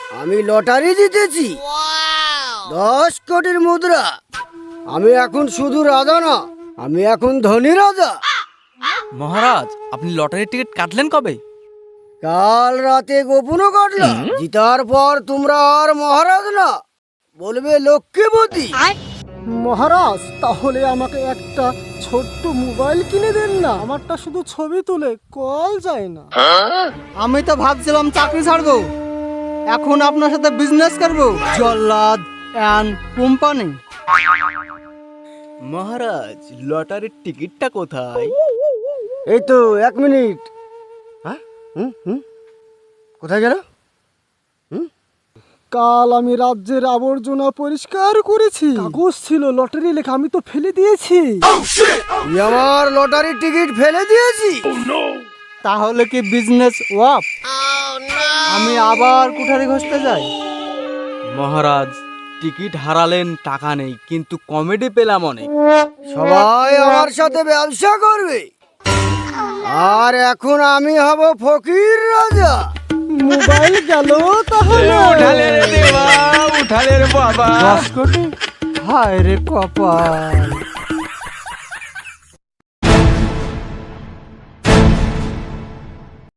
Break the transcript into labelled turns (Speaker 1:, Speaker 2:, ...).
Speaker 1: আমি লটারি জিতেছি 10 কোটির মুদ্রা। আমি এখন শুধু রাজা না, আমি এখন ধনী রাজা।
Speaker 2: মহারাজ, আপনি লটারির টিকিট কাটলেন কবে?
Speaker 1: কাল রাতে গোপনও কাটলাম। জিতার পর তোমরা আর মহারাজ না, বলবে লক্ষ্মীপতি।
Speaker 3: মহারাজ, তাহলে আমাকে একটা ছোট্ট মোবাইল কিনে দেন না, আমারটা শুধু ছবি তুলে কল যায় না।
Speaker 4: আমি তো ভাবছিলাম চাকরি ছাড়বো, এখন আপনার সাথে বিজনেস করবো, জল্লাদ অ্যান্ড কোম্পানি।
Speaker 2: মহারাজ, লটারির টিকিটটা কোথায়?
Speaker 1: এই তো 1 মিনিট। হ্যাঁ, কোথায় গেল?
Speaker 3: কাল আমি রাজ্যের আবর্জনা পরিষ্কার করেছি, কাগজ ছিল লটারি লেখা, আমি তো ফেলে দিয়েছি।
Speaker 1: তুই আমার লটারির টিকিট ফেলে দিয়েছি?
Speaker 4: তাহলে কি বিজনেস ওয়াপ? আমি আবার কুঠারি ঘষতে যাই।
Speaker 2: মহারাজ, টিকিট হারালেন, টাকা নেই, কিন্তু কমেডি পেলাম অনেক।
Speaker 1: সবাই আমার সাথে ব্যবসা করবে, আর এখন আমি হব ফকির রাজা।
Speaker 3: মোবাইল গেল তাহলে।
Speaker 2: উঠালে রে দেবা, উঠালে রে বাবা।
Speaker 4: 10 কোটি, হায় রে কপাল।